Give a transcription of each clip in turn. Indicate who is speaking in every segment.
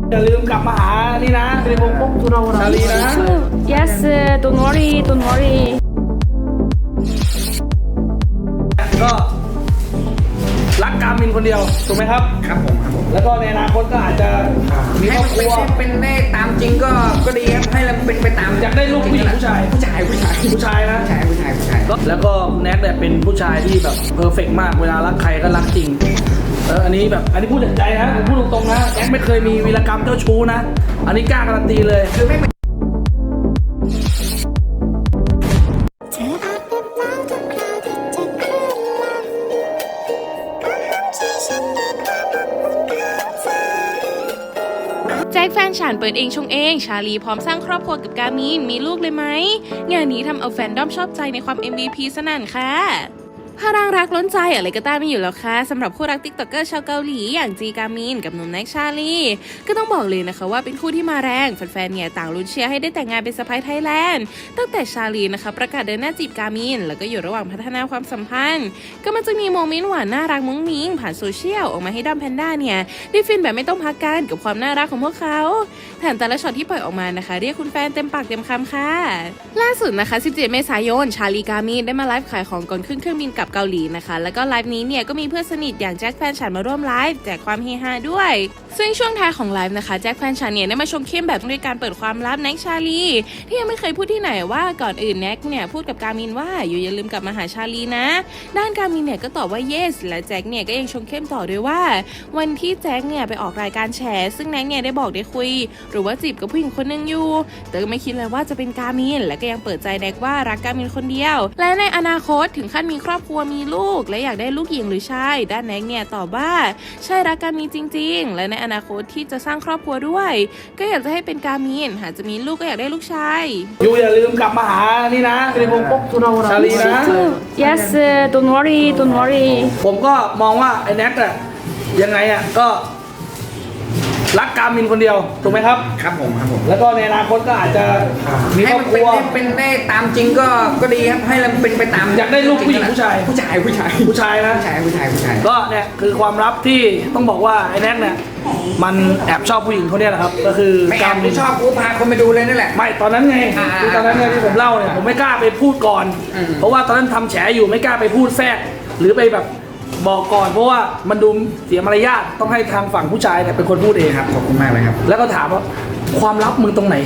Speaker 1: อย่าลืมกลับมาหานี่นะชาลีนะ
Speaker 2: Yes, don't worry, don't worry.
Speaker 1: ก็รักการมินคนเดียวถูกไหมครับ
Speaker 3: ครับผม
Speaker 1: แล้วก็ในอนาคตก็อาจจะมีครอบครัว
Speaker 3: เป็นได้ตามจริงก็ดีครับให้เราเป็นไปตาม
Speaker 1: อยากได้ลูกผู้หญิงผู้ชายนะ
Speaker 3: ผู้ชาย
Speaker 1: แล้วก็แน็กเนี่ยเป็นผู้ชายที่แบบเพอร์เฟกต์มากเวลารักใครก็รักจริงอันนี้พูดจากใจนะผมพูดตรงๆนะแน็กไม่เคยมีวีรกรรมเจ้าชู้นะอันนี้กล้าการันตีเลยคือไม่
Speaker 2: แจ็คแฟนฉันเปิดเองชงเองชาลีพร้อมสร้างครอบครัวกับกามินมีลูกเลยไหมงานนี้ทำเอาแฟนด้อมชอบใจในความ MVP สนั่นค่ะพลังรักล้นใจอะไรก็ต้านไม่อยู่แล้วค่ะสำหรับคู่รักติ๊กต็อกเกอร์ชาวเกาหลีอย่างจีกามินกับหนุ่มแน็กชาลีก็ต้องบอกเลยนะคะว่าเป็นคู่ที่มาแรงแฟนๆเนี่ยต่างลุ้นเชียร์ให้ได้แต่งงานเป็นสะใภ้ไทยแลนด์ตั้งแต่ชาลีนะคะประกาศเดินหน้าจีบกามินแล้วก็อยู่ระหว่างพัฒนาความสัมพันธ์ก็มันจะมีโมเมนต์หวานน่ารักมุ้งมิ้งผ่านโซเชียลออกมาให้ด้อมแพนด้าเนี่ยได้ฟินแบบไม่ต้องพักกันกับความน่ารักของพวกเขาแถมแต่ละช็อตที่ปล่อยออกมานะคะเรียกคุณแฟนเต็มปากเต็มคำค่ะล่าสุดนะคะ17 เมษายนชาลีกามินได้มาไลฟ์ขายของก่อนขึ้นเครื่องบินกลับเกาหลีนะคะแล้วก็ไลฟ์นี้เนี่ยก็มีเพื่อนสนิทอย่างแจ็คแฟนฉันมาร่วมไลฟ์แจกความเฮฮาด้วยซึ่งช่วงท้ายของไลฟ์นะคะแจ็คแฟนฉันเนี่ยได้มาชมเข้มแบบด้วยการเปิดความลับแน็กชาลีที่ยังไม่เคยพูดที่ไหนว่าก่อนอื่นแน็กเนี่ยพูดกับกามินว่าอย่าลืมกลับมาหาชาลีนะด้านกามินเนี่ยก็ตอบว่า yes และแจ็คเนี่ยก็ยังชมเข้มต่อด้วยว่าวันที่แจ็คเนี่ยไปออกรายการแฉซึ่งแน็กเนี่ยได้บอกได้คุยหรือว่าจีบกับผู้หญิงคนนึงอยู่แต่ก็ไม่คิดเลยว่าจะเป็นกามินและก็ยังเปิดใจแน็กว่ารักกามินคนเดียวและในอนาคตถึงขั้นมีครอบครัวมีลูกและอยากได้ลูกหญิงหรือชายด้านแน็กเนี่ยตอบว่าใช่รักกามินจริงๆและในอนาคตที่จะสร้างครอบครัวด้วยก็อยากจะให้เป็นกามินหากจะมีลูกก็อยากได้ลูกชาย
Speaker 1: อย่าลืมกลับมาหานี่นะชาลีนะ
Speaker 2: Yes, don't worry, don't worry.
Speaker 1: ผมก็มองว่าไอ้แน็กอะยังไงอะก็รักกามินคนเดียวถูกไหมครับ
Speaker 3: ครับผม
Speaker 1: แล้วก็ในอนาคตก็อาจจะมีครอบครัว
Speaker 3: เป็นได้ตามจริงก็ดีครับให้เราเป็นไปตาม
Speaker 1: อยากได้ลูกผู้หญิงผู้ชายนะ
Speaker 3: ผู้ชาย
Speaker 1: ก็เนี่ยคือความลับที่ต้องบอกว่าไอ้แน็กเนี่ยมันแอบชอบผู้หญิงคนนี้แหละครับก็คือ
Speaker 3: ไม่แอบไม่ชอบกูพาคนไปดูเลยนั่นแหละ
Speaker 1: ไม่ตอนนั้นไงคือตอนนั้นไงที่ผมเล่าเนี่ยผมไม่กล้าไปพูดก่อนเพราะว่าตอนนั้นทำแฉอยู่ไม่กล้าไปพูดแทรกหรือไปแบบบอกก่อนเพราะว่ามันดูเสียมารยาทต้องให้ทางฝั่งผู้ชายเนี่ยเป็นคนพูดเอง
Speaker 3: ครับขอบคุณมากเลยครับ
Speaker 1: แล้วก็ถามว่าความลับมึงตรงไหน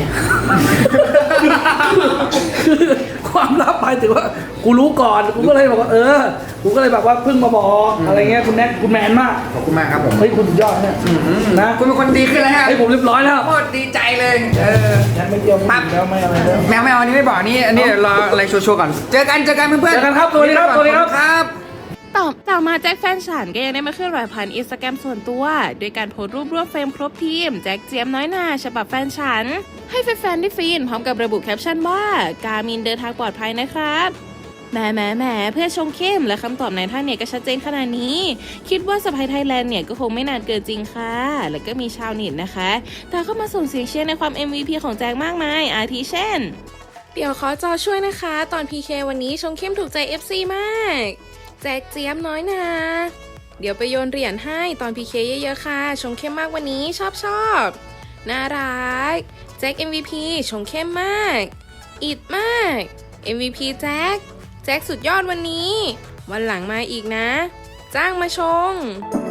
Speaker 1: ความลับหมายถึงว่ากูรู้ก่อนกูก็เลยบอกว่ากูก็เลยแบบว่าเพิ่งมาบอกอะไรเงี้ยคุณแน็กคุณแมนมาก
Speaker 3: ขอบคุณมากครับผม
Speaker 1: เฮ้ยคุณยอดเนี่ยนะ
Speaker 3: คุณเป็นคนดีขึ้นแล้วฮะ
Speaker 1: เฮ้ยผมเรียบร้อยแล้ว
Speaker 3: โคตรดีใจเลย
Speaker 1: แน็กไม่เกี่ยวแล้วไม่อะไรแล้ว
Speaker 3: แมวอันนี้ไม่บอกนี่อันนี้รออะไรโชว์ก่อนเจอกันเพื่อน
Speaker 1: เจอกันครับตัวนี้ครับ
Speaker 2: ต่อมาแจ็คแฟนฉันก็ยังได้มาเคลื่อนไหวผ่านอินสตาแกรมส่วนตัวโดยการโพสต์รูปรวบเฟรมครบทีมแจ็คเจี๊ยบน้อยนาฉบับแฟนฉันให้แฟนๆได้ฟินพร้อมกับระบุแคปชั่นว่ากามินเดินทางปลอดภัยนะครับแหมเพื่อชงเข้มและคำตอบในท่านเนี่ยก็ชัดเจนขนาดนี้คิดว่าสะใภ้ไทยแลนด์เนี่ยก็คงไม่นานเกินจริงค่ะแล้วก็มีชาวเน็ตนะคะแต่เข้ามาส่งเสียงเชียร์ในความ MVP ของแจ็คมากมายอาทิเช่นเดี๋ยวขอจอช่วยนะคะตอน PK วันนี้ชงเข้มถูกใจ FC มากแจ็คเจี๊ยบน้อยนาเดี๋ยวไปโยนเหรียญให้ตอน PK เยอะๆค่ะชงเข้มมากวันนี้ชอบน่ารักแจ็ค MVP ชงเข้มมากอิดมาก MVP แจ็คสุดยอดวันนี้วันหลังมาอีกนะจ้างมาชง